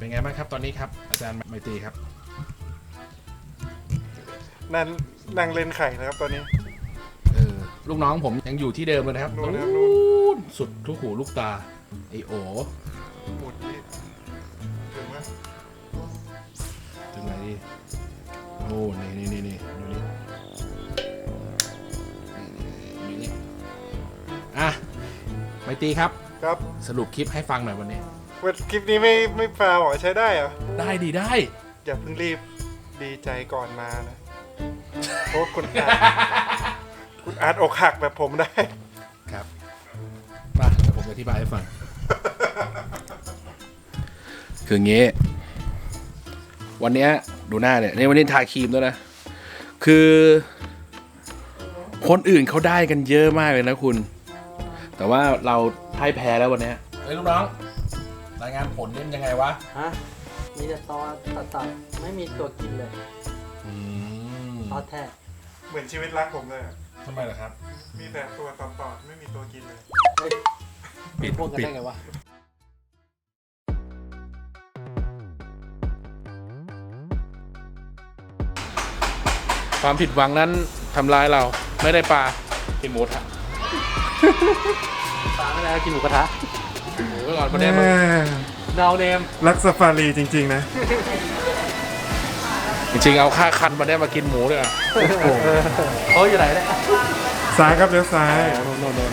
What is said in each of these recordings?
เป็นไงบ้างครับตอนนี้ครับอาจารย์ไมตรีครับนั่งเล่นไข่นะครับตอนนี้ลูกน้องผมยังอยู่ที่เดิมเลยนะครับนู่นสุดทุกหูลูกตาไอโอหมุดนี่ถึงไหมถึงไหนดิโอ้นี่ดูนี่อ่ะไมตรีครับครับสรุปคลิปให้ฟังหน่อยวันนี้คลิปนี้ไม่ฟาวใช้ได้เหรอได้ดีได้อย่าเพิ่งรีบดีใจก่อนมานะเพราะคุณอาร์ตอกหักแบบผมได้ครับมาเดี๋ยวผมจะอธิบายให้ฟัง คืออย่างงี้วันนี้ดูหน้าเนี่ยในวันนี้ทาครีมด้วยนะคือคนอื่นเขาได้กันเยอะมากเลยนะคุณแต่ว่าเราพ่ายแพ้แล้ววันนี้เฮ้ยลูกน้องรายงานผลนี่มันยังไงวะฮะมีแต่ตอตัดไม่มีตัวกินเลยตอแท้เหมือนชีวิตรักผมเลยทำไมล่ะครับมีแต่ตัวต่อไม่มีตัวกินเลยปิดพวกกันได้ไงวะความผิดหวังนั้นทำร้ายเราไม่ได้ปลากินหมูทะปลาไม่ได้กินหมูกระทะหมูก็ก่อนประเด็นดาวเนมรักซาฟารีจริงๆนะจริงๆเอาค่าคันมาได้มากินหมูด้วยอ่ะโอ้ยอยู่ไหนเนี่ยซ้ายครับเลี้ยวซ้ายโน่น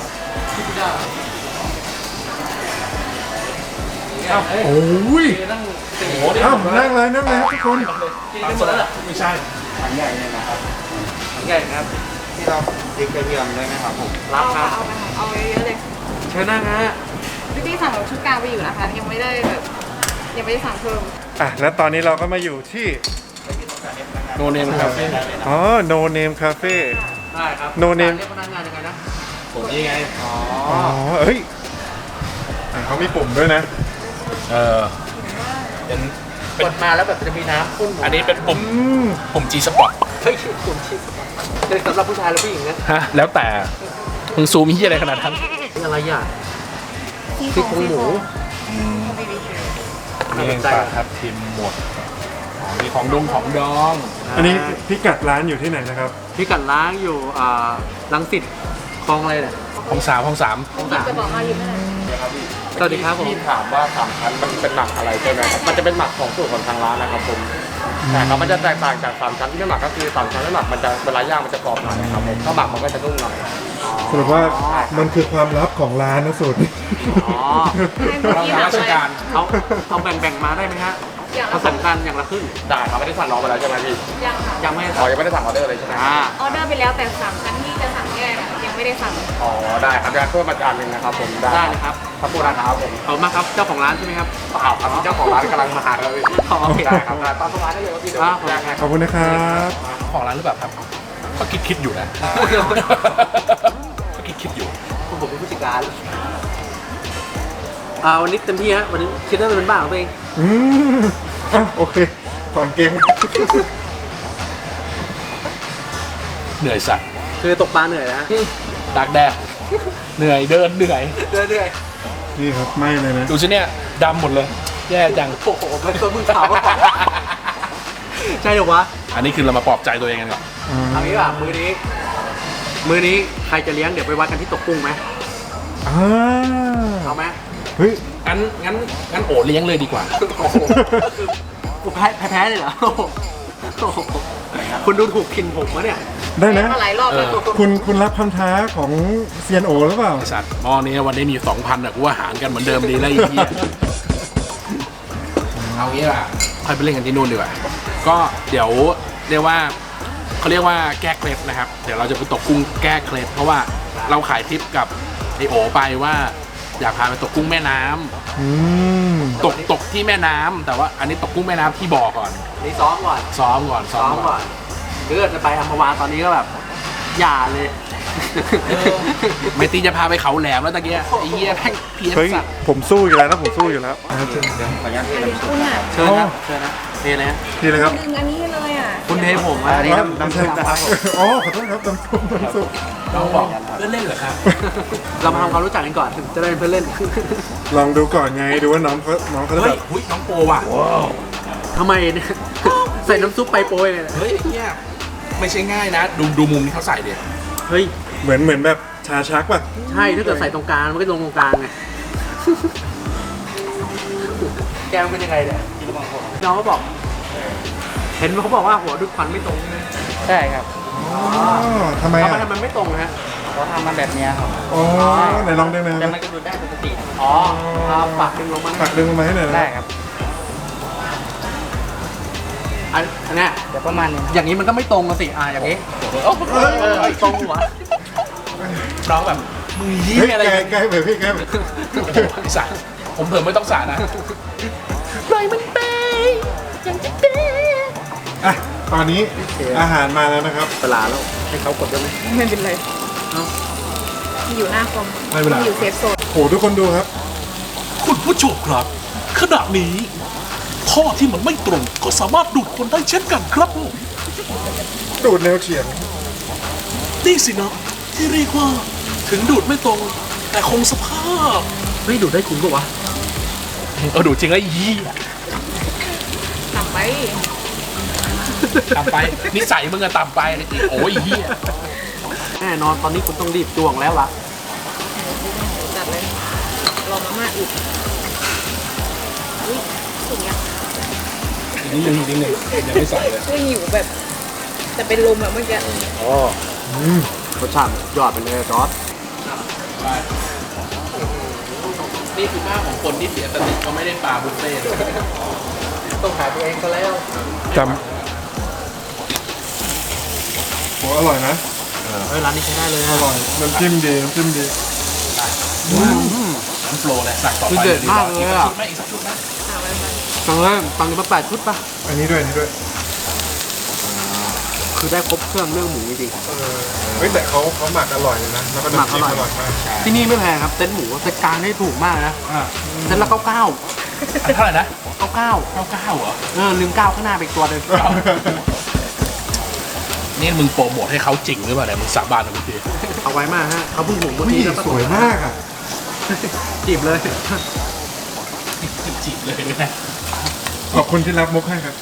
โอ้ยนั่งโอ้โหนั่งเลยครับทุกคนกินหมดแล้วเหรอไม่ใช่ถังใหญ่เลยนะครับถังใหญ่ครับที่เราพริกกระเทียมได้ไหมครับผมรับครับเอาเยอะเลยเชิญนั่งฮะพี่สั่งชุดกลางไปอยู่นะคะยังไม่ได้สั่งเพิ่มแล้วตอนนี้เราก็มาอยู่ที่โนเนมคาเฟ่โนเนมคาเฟ่ได้ครับโนเนมเรียกพนักงานยังไงนะผมนี่ไงเฮ้ยเขามีปุ่มด้วยนะเป็นกดมาแล้วแบบจะมีน้ำพุ่งอันนี้เป็นปุ่ม G Spot เฮ้ยปุ่ม G Spot เป็นสำหรับผู้ชายหรือผู้หญิงนะฮะแล้วแต่มึงซูมที่อะไรขนาดนั้นอะไรอ่ะซี่โครงหมูนี่ปลาทับทิมหมดมีของดองอันนี้พิกัดร้านอยู่ที่ไหนนะครับพิกัดร้านอยู่รังสิตคลองอะไรเนี่ยของสามจะบอกมาอยู่ไหนสวัสดีครับผมที่ถามว่า3 ชั้นมันเป็นหมักอะไรใช่ไหมครับมันจะเป็นหมักของสูตรของทางร้านนะครับผมแต่ครับมันจะแตกต่างจาก3 ชั้นที่ไม่หมักก็คือ3 ชั้นไม่หมักมันจะเวลาย่างมันจะกรอบหน่อยนะครับผมถ้าหมักมันก็จะนุ่มหน่อยสรุปว่ามันคือความลับของร้านนะสูตรราชการเอาแบ่งมาได้ไหมฮะผสมกันอย่างละครึ่งได้ครับไม่ได้สั่งน้องไปแล้วใช่ไหมพี่ยังไม่ยังไม่ได้สั่งออเดอร์เลยใช่ไหมออเดอร์ไปแล้วแต่3 ชั้นที่จะสั่งแยกยังไม่ได้สั่งได้ครับงั้นเพิ่มมาจานนึงนะครับผมได้เลยครับขอบคุณนะครับผมเอามาครับเจ้าของร้านใช่ไหมครับเปล่าครับเจ้าของร้านกำลังมาหาเราเลยได้ครับตามร้านได้เลยพี่ขอบคุณนะครับของร้านหรือเปล่าครับก็คิดอยู่นะก็คิดอยู่ผมเป็นผู้จัดการวันนี้เต็มที่ฮะวันนี้คิดว่าเป็นบ้าของตัวเองโอเคถอนเกมเหนื่อยสัตว์คือตกปลาเหนื่อยนะตากแดดเหนื่อยเดินเหนื่อยนี่ครับไม่เลยนะดูสิเนี่ยดำหมดเลยแย่จังโอ้โหมันตัวมือขาวมากใช่หรอวะอันนี้คือเรามาปลอบใจตัวเองกันก่อนเอางี้ป่ะมือนี้ใครจะเลี้ยงเดี๋ยวไปวัดกันที่ตกกุ้งไหมเอาไหมเฮ้ยงั้นโอเลี้ยงเลยดีกว่ากูแพ้เลยเหรอคุณดูถูกกินผมวะเนี่ยได้นะหลายรอบแล้วคุณรับคำท้าของเซียนโอหรือเปล่าสัตว์หม้อนี้วันนี้มี 2,000อ่ะกูว่าหารกันเหมือนเดิมดีแล้วอีกทีเอางี้ล่ะค่อยไปเล่นกันที่นู่นดีกว่าก็เดี๋ยวเรียกว่าเขาเรียกว่าแก้เคล็ดนะครับเดี๋ยวเราจะไปตกกุ้งแก้เคล็ดเพราะว่าเราขายทิปกับไอโอไปว่าอยากพาไปตกกุ้งแม่น้ำตกที่แม่น้ำแต่ว่าอันนี้ตกกุ้งแม่น้ำที่บ่อก่อนนี่ซ้อมก่อนคือจะไปอัมพวาตอนนี้ก็แบบอย่าเลยไม่ตีจะพาไปเขาแหลมแล้วตะเกียไอ้เหี้ยแม่งเพี้ยนเฮ้ยสัตว์ผมสู้อยู่แล้วนะผมสู้อยู่แล้วอันนี้คุณอ่ะเชิญครับเชิญนะเทเลยฮะนี่เลยครับดึงอันนี้เลยอ่ะคุณเทผมอ่ะอันนี้น้ำซุปนะครับผมอ๋อขอโทษครับน้ำซุปน้ำซุปน้องบอกเล่นเล่นเหรอครับเรามาทำความรู้จักกันก่อนจะได้เป็นเพื่อนเล่นลองดูก่อนไงดูว่าน้องเขาจะเฮ้แบยบหุ้ยน้องโปรว่ะทำไมเนี่ย ใส่น้ำซุปไปโปรยเลยนะเฮ้ยไอ้เหี้ยไม่ใช่ง่ายนะ ดูมุมที่เขาใส่ดิเฮ้ยเหมือนแบบชาชักป่ะใช่ถ้าเกิดใส่ตรงกลางมันก็ลงตรงกลางไง แกมันเป็นยังไงเนี่ยน้องก็บอก เห็นเขาบอกว่าหัวดูดควันไม่ตรงใช่ไหมใช่ครับอ๋อทำไมทำไมอ่ะทำไมไม่ตรงนะฮะเขาทำมาแบบเนี้ยครับอ๋อไหนลองดึงหนะแต่มันก็ดูได้ปกติอ๋อเอาปากดึงลงมาปักดึงลงมาให้หน่อยนะได้ครับอันเนี้ยเดี๋ยวประมาณนี้อย่างนี้มันก็ไม่ตรงกันสิอย่างนี้ตรงหัวน้องแบบมือยี่เฮ้ยอะไรใกล้ไปพี่ใกล้ไปไอ้สัตว์ผมเผื่อไม่ต้องสานะอ่ะตอนนี้อาหารมาแล้วนะครับเวลาแล้วให้เขากดด้วยไหมไม่เป็นไรเอ้าอยู่หน้าคอมไม่เป็นไรอยู่เซฟโซนโหทุกคนดูครับคุณผู้ชมครับ ขณะนี้ท่อที่มันไม่ตรงก็สามารถดูดคนได้เช่นกันครับดูดแนวเฉียงนี่สินะที่เรียกว่าถึงดูดไม่ตรง แต่คงสภาพเฮ้ยดูดได้จริงปะวะดูจริงไอ้ยี่ต่ำไปต่ำไปนิสัยมึงอะต่ำไปจริงโอ้ยเหี้ยแน่นอนตอนนี้คุณต้องรีบจ้วงแล้วล่ะจัดเลยรอมาม่าอุดอุ้ยอย่างเงี้ยนิดนึงยังไม่ใส่เลยคือหิวแบบ แต่เป็นลมอะเมื่อกี้รสชาติยอดไปเลยจอร์ดนี่คือภาพของคนที่เสียสติเขาไม่ได้ปลาบุฟเฟ่ต์ต้องขายตัวเองก็แล้วจำโหอร่อยนะเฮ้ยร้านนี้ใช้ได้เลยอฮะร่อยน้ำจิ้มดีน้ำจิ้มดีน้ำโปรเลยสั่งต่อไปคือเด็ดมากเลยอ่ะไม่อีกสักชุดไหมฟังเลยฟังมา8 ชุดป่ะอันนี้ด้วยอันนี้ด้วยคือได้ครบเครื่องเรื่องหมูจริงเฮ้ยแต่เขาหมักอร่อยเลยนะแล้วก็น้ำจิ้มหมัอกอร่ร่ออย ยมากๆที่นี่ไม่แพงครับเต็นท์หมูเต็นท์กลางนี่ถูกมากนะอ่าเต็นท์ละ99 เท่าไหร่นะ 99 99เหรอลืม9ข้างหน้าไปอีกตัวหนึงนี่มึงโปรโมทให้เขาจริงหรือเปล่าเนี่ยมึงสาบานนะมึงดิเอาไว้มากฮะเขาเพิ่งหุงเมื่อนี่กี้แล้วสวยมากอ่ะจีบเลยจีบเลยนะขอบคุณที่รับมุกให้ครับ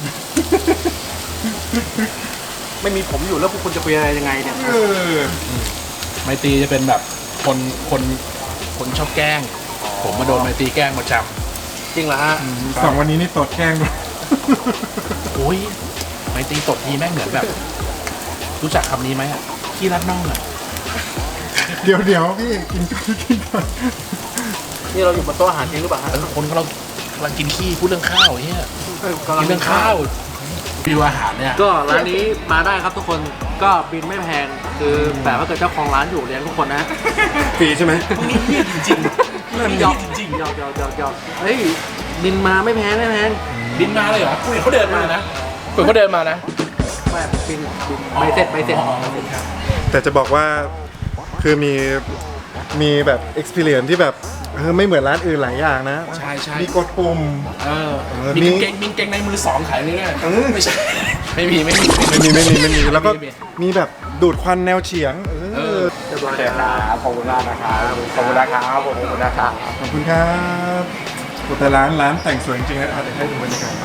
ไม่มีผมอยู่แล้วพวกคุณจะคุยอะไรยังไงเนี่ยเออไมตรีจะเป็นแบบคนชอบแกล้ง ผมมาโดนไมตรีแกล้งประจจริงเหรอฮะสองวันนี้นี่ตดแกล้งด้วยำโอ้ยไมตรีตดทีแม่งเหมือนแบบ รู้จักคำนี้ไหมอ่ะขี้รัดน่องอ่ะเดี๋ยวพี่กินก่อนกินก่อนนี่เราอยู่บนโต๊ะอาหารจริงหรือเปล่าฮะคนเรากำลังกินขี้พูดเรื่องข้าวเฮียกำลักินเรื่องข้าววิวอาหารเนี่ยก็ร้านนี้มาได้ครับทุกคนก็บินไม่แพงคือแต่ถ้าเกิดเจ้าของร้านอยู่เลี้ยงทุกคนนะฟรีใช่ไหมนี่เฮียจริงหยอกจริงหยอกเฮ้ยบินมาไม่แพงๆบินมาเลยเหรอคุยเขาเดินมานะคุยเขาเดินมานะแบบบินใบเสร็จแต่จะบอกว่าคือมีแบบ experience ที่แบบไม่เหมือนร้านอื่นหลายอย่างนะใช่ใช่มีกดปุ่มเออมีมีกางเกงในมือสองขายนี่ไงเออไม่ใช่ ไม่มีไม่มีแล้วก็มีแบบดูดควันแนวเฉียงเออเรียบร้อยโอเคครับขอบคุณมากนะครับขอบคุณนะครับขอบคุณนะครับขอบคุณครับโอ้แต่ร้านแต่งสวยจริงๆนะเดี๋ยวให้ดูบรรยากาศ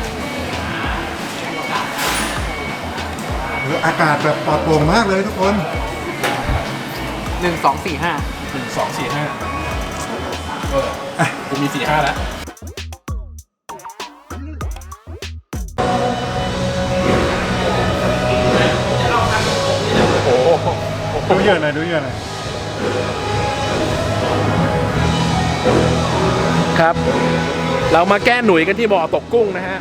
อากาศแบบปลอดโปร่งมากเลยทุกคน 1 2 4 5 1 2 4 5กูมี 4 5 แล้วดูเยอะหน่อยดูเยอะหน่อยครับ เรามาแก้หนุ่ยกันที่บ่อตกกุ้งนะฮะ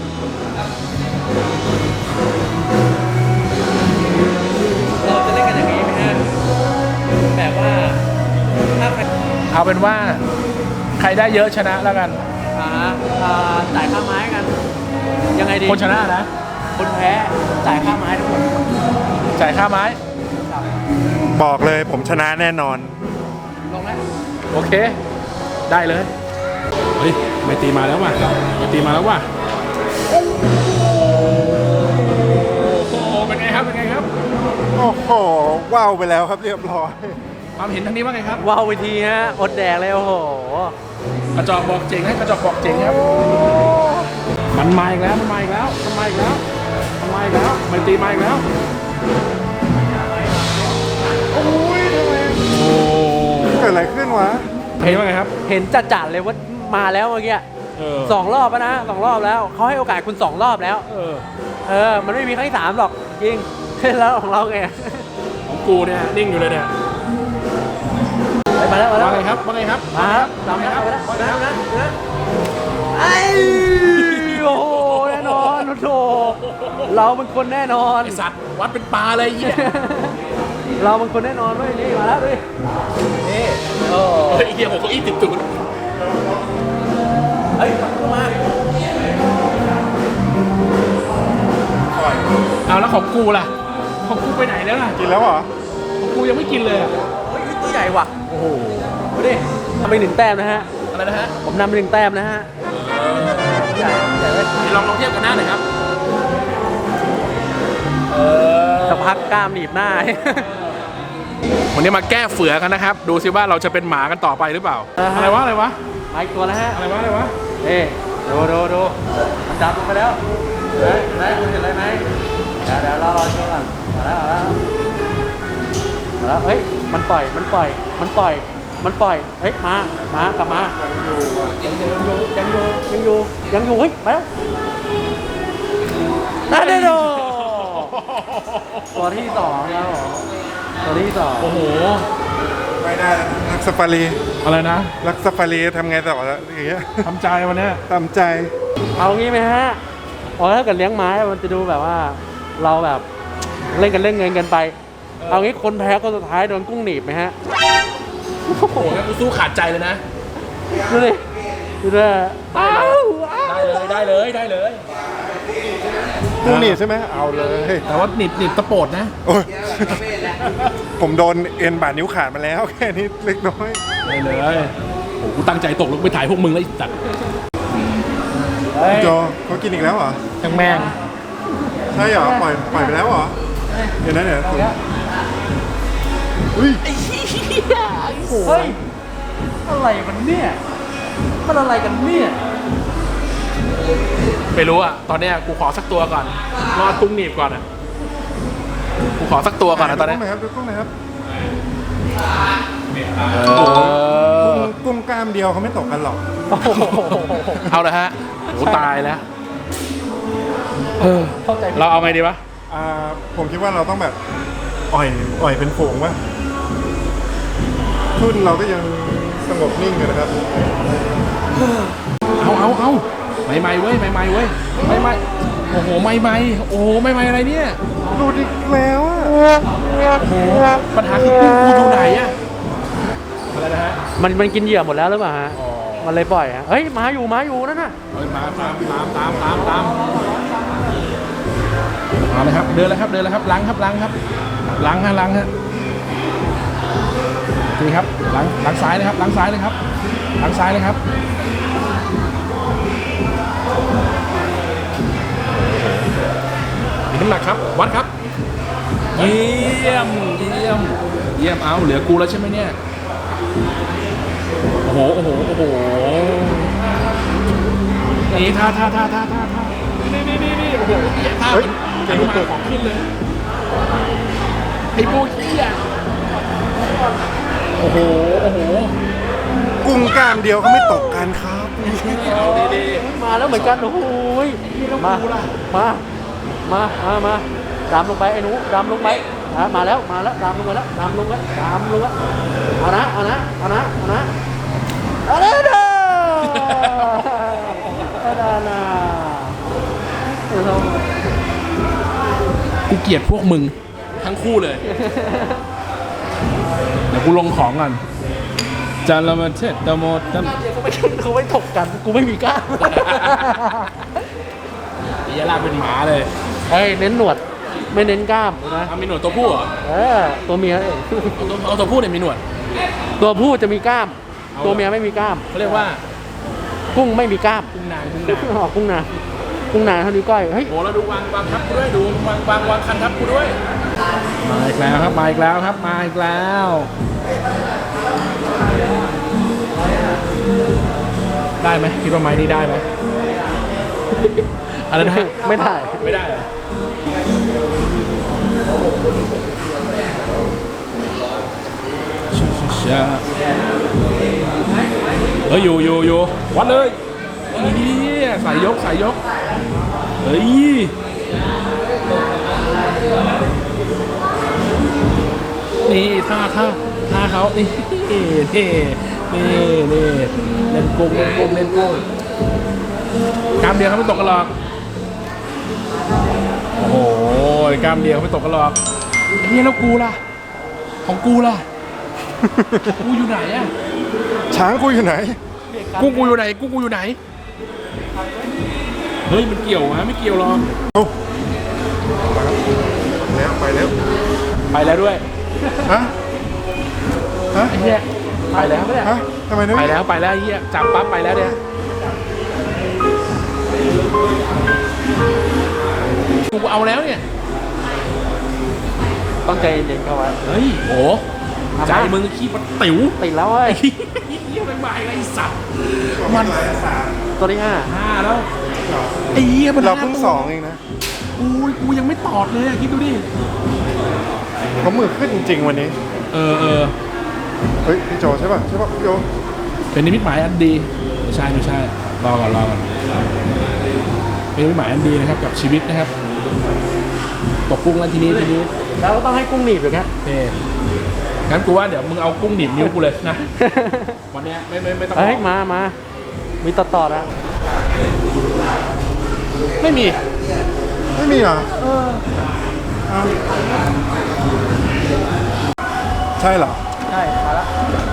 เราจะเล่นกันอย่างนี้ไหมฮะแบบว่าถ้าใครเอาเป็นว่า ใครได้เยอะชนะแล้วกันจ่ายค่าไม้กัน ยังไงดีคนชนะนะคนแพ้จ่ายค่าไม้ทุกคนจ่ายค่าไม้บอกเลยผมชนะแน่นอนลงแล้วโอเค ได้เลย เฮ้ยไม่ตีมาแล้วว่ะไม่ตีมาแล้วว่ะโอ้โหเป็นไงครับเป็นไงครับโอ้โหว้าวไปแล้วครับเรียบร้อยความเห็นทางนี้ว่าไงครับว้าวไปทีฮะอดแดกเลยโอ้โหกระจอกบอกเจ๋งให้กระจอกบอกเจ๋งครับมันมาอีกแล้วมันมาอีกแล้วมันมาอีกแล้วมันมาอีกแล้วไม่ตีมาอีกแล้วโอ้ยทำไมโอ้เกิดอะไรขึ้นวะเห็นว่าไงครับเห็นจัดๆเลยว่ามาแล้วเมื่อกี้ สองรอบแล้วนะ2 รอบแล้วเขาให้โอกาสคุณ2 รอบแล้ว มันไม่มีครั้งที่3หรอกจริงแล้วของเราไงของกูเนี่ยนิ่งอยู่เลยเนี่ยมาแล้วมาแล้วว่าไงครับว่าไงครับมาครับตามแล้วมาแล้วมาแล้วนะไอ้โอ้โหแน่นอนโอ้โหเราเป็นคนแน่นอนไอสัตว์วัดเป็นปลาเลยไอ้เหี้ยเราเป็นคนแน่นอนเว้ยนี่มาแล้วดินี่โอ้เฮ้ยไอ้เหี้ยผมก็อีติดตูดเฮ้ยมาเอาแล้วของกูล่ะของกูไปไหนแล้วล่ะกินแล้วเหรอของกูยังไม่กินเลยอะเฮ้ยตัวใหญ่ว่ะโอ้โหดูดิทำไป1 แต้มนะฮะอะไรนะฮะผมนำไป1 แต้มนะฮะใหญ่เลยลองเทียบกันหน้าหน่อยครับสักพักกล้ามหนีบหน้าวันนี้มาแก้เฝือกันนะครับ ดูซิว่าเราจะเป็นหมากันต่อไปหรือเปล่า อะไรวะอะไรวะมาอีกตัวแล้วฮะอะไรวะอะไรวะนี่ดูมันจับลงไปแล้วเห็นไหมคุณเห็นอะไรไหมเดี๋ยวรอช่วยก่อนมาแล้วเฮ้ยมันปล่อยเฮ้ยมากลับมายังอยู่เฮ้ยมาแล้วได้โดตัวที่2แล้วตัวที่2 โอ้โหไม่ได้แล้วรักซาฟารีอะไรนะรักซาฟารีทำไงต่อแล้วอย่างเงี้ยทำใจวันเนี้ยตามใจเอางี้ไหมฮะถ้าเกิดเลี้ยงไม้มันจะดูแบบว่าเราแบบเล่นเงินกันไป เอางี้คนแพ้คนสุดท้ายโดนกุ้งหนีบไหมฮะโอ้โหงั้นกูสู้ขาดใจเลยนะดูดิอ้าวได้เลยได้เลยกุ้งหนีบใช่ไหมเอาเลยแต่ว่าหนีบตะโปดนะโอ้ยผมโดนเอ็นบาดนิ้วขาดมาแล้ว แค่นี้เล็กน้อยได้เลยโอ้โหกูตั้งใจตกลงไปถ่ายพวกมึงแล้วไอ้สัตว์โจเขากินอีกแล้วเหรอทั้งแม่งใช่เหรอ ปล่อยไปแล้วเหรอ เดี๋ยวนะเดี๋ยวอุ้ยเฮ้ยอะไรมันเนี่ยมันอะไรกันเนี่ยไม่รู้อ่ะ ตอนเนี้ยกูขอสักตัวก่อน รอดกุ้งหนีบก่อนอ่ะ กูขอสักตัวก่อนนะตอนเนี้ยดูกุ้งหน่อยครับเออกุ้งกล้ามเดียวเขาไม่ตกกันหรอกเอาเลยฮะโหตายแล้ว เราเอาไงดีวะผมคิดว่าเราต้องแบบอ่อยเป็นฝูงวะทุ่นเราก็ยังสงบนิ่งอยู่นะครับเอาไม่เว้ยไม่เว้ยไม่โอ้โหไม่โอ้โหไม่อะไรเนี่ยหลุดอีกแล้วอะโอ้โหปัญหาคือกูอยู่ไหนอะอะไรนะฮะมันกินเหยื่อหมดแล้วหรือเปล่าฮะอ๋อมันเลยปล่อยฮะเฮ้ยมาอยู่นั่นน่ะเฮ้ยมาตามมาเลยครับเดินเลยครับล้างฮะนี่ครับล้างซ้ายเลยครับล้างซ้ายเลยครับมีน้ำหนักครับวัดครับเยี่ยมเอาเหลือกูแล้วใช่ไหมเนี่ยโอ้โหนี่ท่านี่โอ้โหท่าไอ้ลูกตัวของขึ้นเลยไอ้พวกเหี้ยโอ้โหกุ้งกล้ามเดียวเขาไม่ตกกันครับเอาดีมาแล้วเหมือนกันโอ้โหมาดำลงไปไอ้หนูดำลงไปมาแล้วดำลงไปแล้วเอานะเด้อนะกูเกลียดพวกมึงทั้งคู่เลย เดี๋ยวกูลงของก่อนจานละมาเช็ดตะโมดตะเขาไม่ถกกันกูไม่มีกล้าเดี๋ยวลากเป็นหมาเลยเฮ้ยเน้นหนวดไม่เน้นกล้ามนะมีหนวดตัวผู้เหรอตัวเมียเองเอาตัวผู้เนี่ยมีหนวดตัวผู้จะมีกล้าม ตัวเมียไม่มีกล้ามเขาเรียกว่ากุ้งไม่มีกล้ามกุ้งนางอ๋อกุ้งนาเท่านิ้วก้อยเฮ้ยโอ้แล้วดูวางทับกูด้วยดูวางคันทับกูด้วยมาอีกแล้วครับมาอีกแล้วครับมาอีกแล้วได้ไหมคิดว่าไม้นี้ได้ไหมอะไรนะไม่ได้ไม่ได้เหรอเฮ้ยอยู่วัดเลยนี่สายยกเฮ้ยนี่ท่าเขานี่เล่นกุ้งกล้ามเดียวเขาไม่ตกกันหรอกโอ้โหกล้ามเดียวไม่ตกกันหรอกไอ้เนี่ยแล้วกูล่ะของกูล่ะกูอยู่ไหนอะช้างกูอยู่ไหนกุ้งกูอยู่ไหนเฮ้ยมันเกี่ยวฮะไม่เกี่ยวหรอกแล้วไปแล้วไปแล้วด้วยฮะ ฮะไอ้เหี้ยไปแล้วฮะทำไมนะไปแล้วไอ้เหี้ยจับปั๊บไปแล้วเนี่ยกูเอาแล้วเนี่ยต้องใจเย็นเข้าไว้เฮ้ยโอ้ใจมึงขี้ปะติ๋วติดแล้วเว้ยเหี้ยไม่มาไอ้สัตว์มันตัวที่ 5แล้วไอ้เหี้ยมันเราเพิ่ง2เองนะกูยังไม่ตอดเลยอะคิดดูดิเขามือขึ้นจริงๆวันนี้เออเฮ้ยพี่โจใช่ป่ะพี่โจเป็นนิมิตหมายอันดีไม่ใช่รอก่อนเป็นนิมิตหมายอันดีนะครับกับชีวิตนะครับตกกุ้งแล้วทีนี้ 5แล้วก็ต้องให้กุ้งหนีบอย่างเงี้ยเน่งั้นกูว่าเดี๋ยวมึงเอากุ้งหนีบนิ้วกูเลยนะวันเนี้ยไม่ต้องเฮ้ยมามีต่อนะไม่มีเหรอเอาใช่เหรอใช่มาแล้ว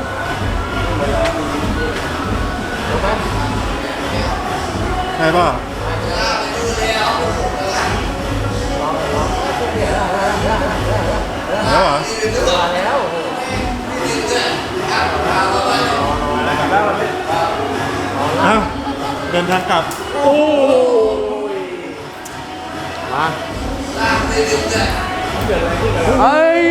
ใช่ป่ะแล้วเหรออ้าวเดินทางกลับเฮ้ย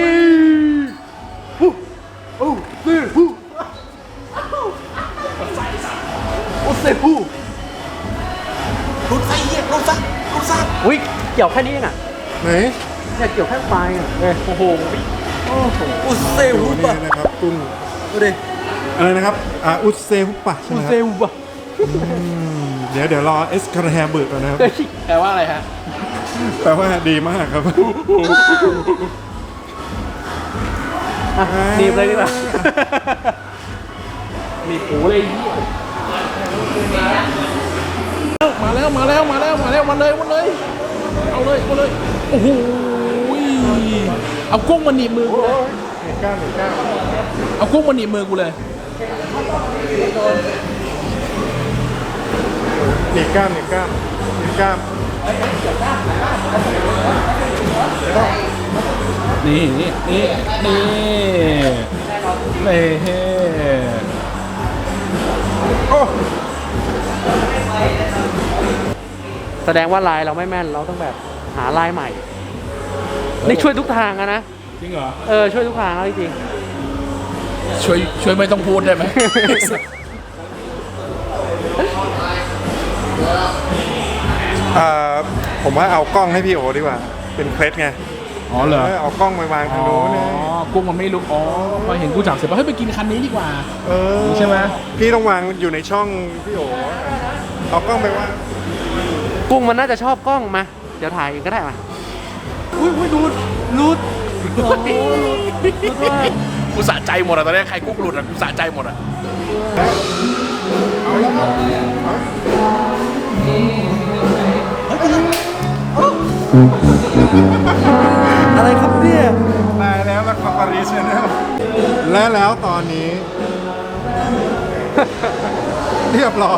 อุ้ยเกี่ยวแค่นี้เองอ่ะไหนเนี่ยเกี่ยวแค่ปลายอ่ะโอ้โหอุเซดูฮุนี่บะนะครับกุ้งดูดิอะไรนะครับอุซเซฮุปะใช่อุไหมคเซรับฮุบะเดี๋ยวรอเอสคาร์แฮมเบิร์กก่อนนะครับแปลว่าอะไรฮะแปลว่าดีมากครับหนีบเลยดีกว่ามีหูเลยมาแล้วมาเลยเอาเลยโอ้โหเอากุ้งมาหนีบมือกูเลยเอากุ้งมาหนีบมือกูเลยหนีบกล้ามนี่โอ้แสดงว่าลายเราไม่แม่นเราต้องแบบหาลายใหม่ นี่ช่วยทุกทางอะนะจริงเหรอช่วยทุกทางแล้วจริงช่วยไม่ต้องพูดได้ไหมผมว่าเอากล้องให้พี่โอดีกว่า เป็นเคล็ดไงอ๋อเหรอเอากล้องไปวางทางโน้นเนี่ยกุ้งมันไม่รู้อ๋อพอเห็นกูจับเสร็จแล้วเฮ้ยไปกินคันนี้ดีกว่า ใช่ไหมพี่ต้องวางอยู่ในช่องพี่โอเอากล้องไปวางๆกุ้งมันน่าจะชอบกล้องมา เดี๋ยวถ่ายก็ได้มาอุ้ยรูดโอ้รูดว่ากูสะใจหมดอะตอนนี้ใครกุ้งหลุดอะกูสะใจหมดอะอะไรครับเนี่ยได้แล้วละครปารีสแล้วและแล้วตอนนี้ เรียบร้อย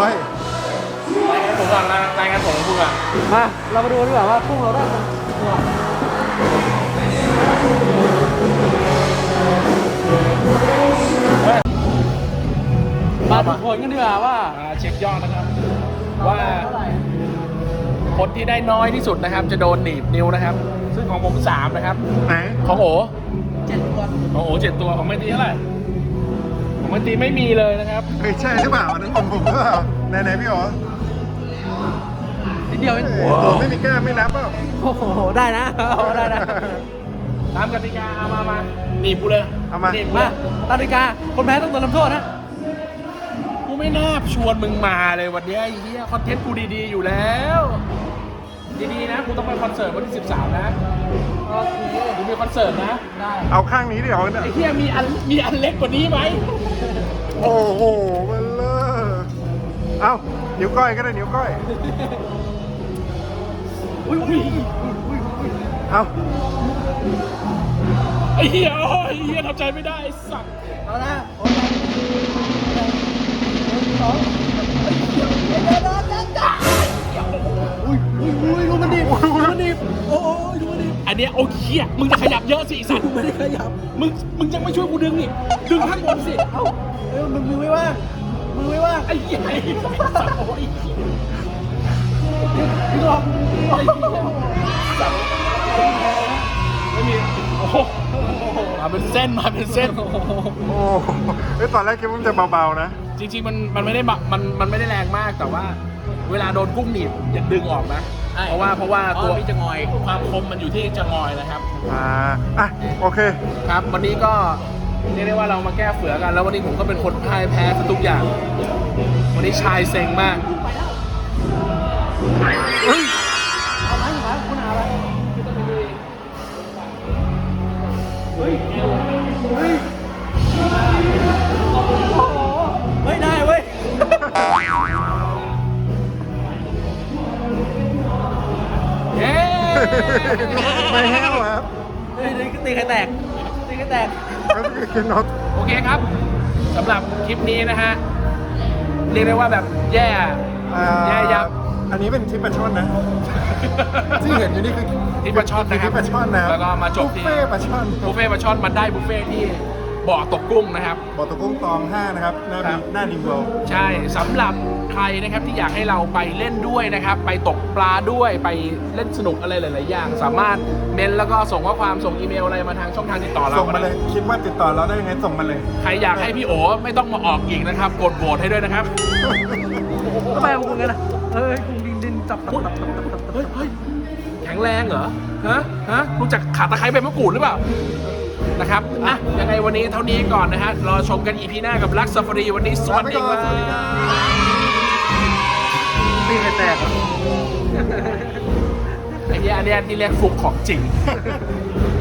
ผมก่อนรายงานผมคุณอะมาเรามาดูดีกว่าว่ากุ้งเราได้มาดูผลกันดีกว่าว่าเช็คยอดนะครับ ว่าคนที่ได้น้อยที่สุดนะครับ จะโดนหนีบนิ้วนะครับ ซึ่งของผม3นะครับไหนของโอ 7 ตัวของโอ7 ตัวของไม่ตีเท่าไหร่ของไม่ตีไม่มีเลยนะครับเฮ้ยใช่หรือเปล่าอันนั้นของผมหรือเปล่าไหนพี่อ๋อนิดเดียวเองตัวไม่มีแก้มไม่นับเปล่าโอ้โห ได้นะได้นะตามกติกาเอามาหนีบกูเลยเอามาหนีบกูมาเลยตามกติกาคนแพ้ต้องโดนลำโทษนะกูไม่น่าชวนมึงมาเลยวันเนี้ยไอ้เหี้ยคอนเทนต์กูดีๆอยู่แล้วดีๆนะกูต้องไปคอนเสิร์ตวันที่13นะกูมีคอนเสิร์ตนะได้เอาข้างนี้ดิเอาเนี่ยไอ้เหี้ยมีอันเล็กกว่านี้ไหมโอ้โหมันเลอะเอานิ้วก้อยก็ได้นิ้วก้อยอุ้ยเอาไอ้เหี้ยโอ้ยไอ้เหี้ยทำใจไม่ได้ไอ้สัตว์เอานะ อุ้ยดูมันดิดูมันดิโอ้ยดูมันดิอันเนี้ยโอ้ยเหี้ยมึงจะขยับเยอะสิไอ้สัตว์ไม่ได้ขยับมึงยังไม่ช่วยกูดึงอีกดึงข้างบนสิเอ้ามือไม่ว่างมือไม่ว่างไอ้เหี้ยไอ้สัตว์โอ้ยพี่หลอกไอ้เหี้ยสัตว์ไม่มีโอ้โหมาเป็นเส้นโอ้โหเฮ้ยตอนแรกคิดว่ามันจะเบาๆนะจริงๆมันไม่ได้มันไม่ได้แรงมากแต่ว่า เวลาโดนกุ้งหนีบอย่าดึงออกนะ เพราะว่าตัวมีจะงอยความคมมันอยู่ที่จะงอยนะครับอ่ะโอเคครับ วันนี้ก็เรียกได้ว่าเรามาแก้เฝือกัน แล้ววันนี้ผมก็เป็นคนพ่ายแพ้ซะทุกอย่าง วันนี้ชายเซ็งมากเอาไหมคุณหาอะไรเฮ้ยเฮ้ยโอ้โหเฮ้ยได้เว้ยเย้ไม่แห้วครับเฮ้ยตีใครแตกตีใครแตกก็คือน็อตโอเคครับสำหรับคลิปนี้นะฮะ เรียกได้ว่าแบบแย่ยับอันนี้เป็นทิปปลาช่อนนะ ที่เห็นอยู่นี่คือที่ปลาช่อนนะครับที่ปลาช่อนนะแล้วก็มาจบบุฟที่เฟ่ต์ปลาช่อนบุฟเฟ่ต์ปลาช่อนมันได้บุฟเฟ่ต์ที่บ่อตกกุ้งนะครับบ่อตะกุ้งตอง 5 นะครับครับหน้าดิมเวิลด์ใช่สำหรับใครนะครับที่อยากให้เราไปเล่นด้วยนะครับ ไปตกปลาด้วยไปเล่นสนุกอะไรหลาย ๆ อย่าง สามารถเมนแล้วก็ส่งข้อความส่งอีเมลอะไรมาทางช่องทางติดต่อเราส่งมาเลย คิดว่าติดต่อเราได้ยังไงส่งมาเลยใครอยากให้พี่โอไม่ต้องมาออกอีกนะครับ กดโหวตให้ด้วยนะครับทำไมมึงกันนะเฮ้ยกุ้งดินจับเฮ้ยแข็งแรงเหรอฮะรู้จักขาตะไคร้ใบมะกรูดหรือเปล่านะครับอ่ะยังไงวันนี้เท่านี้ก่อนนะฮะรอชมกันอีพีหน้ากับลักซาฟารีวันนี้สวัสดีครับตีใครแตกไอ้เนี้ยอันเนี้ยที่เรียกฟุกของจริง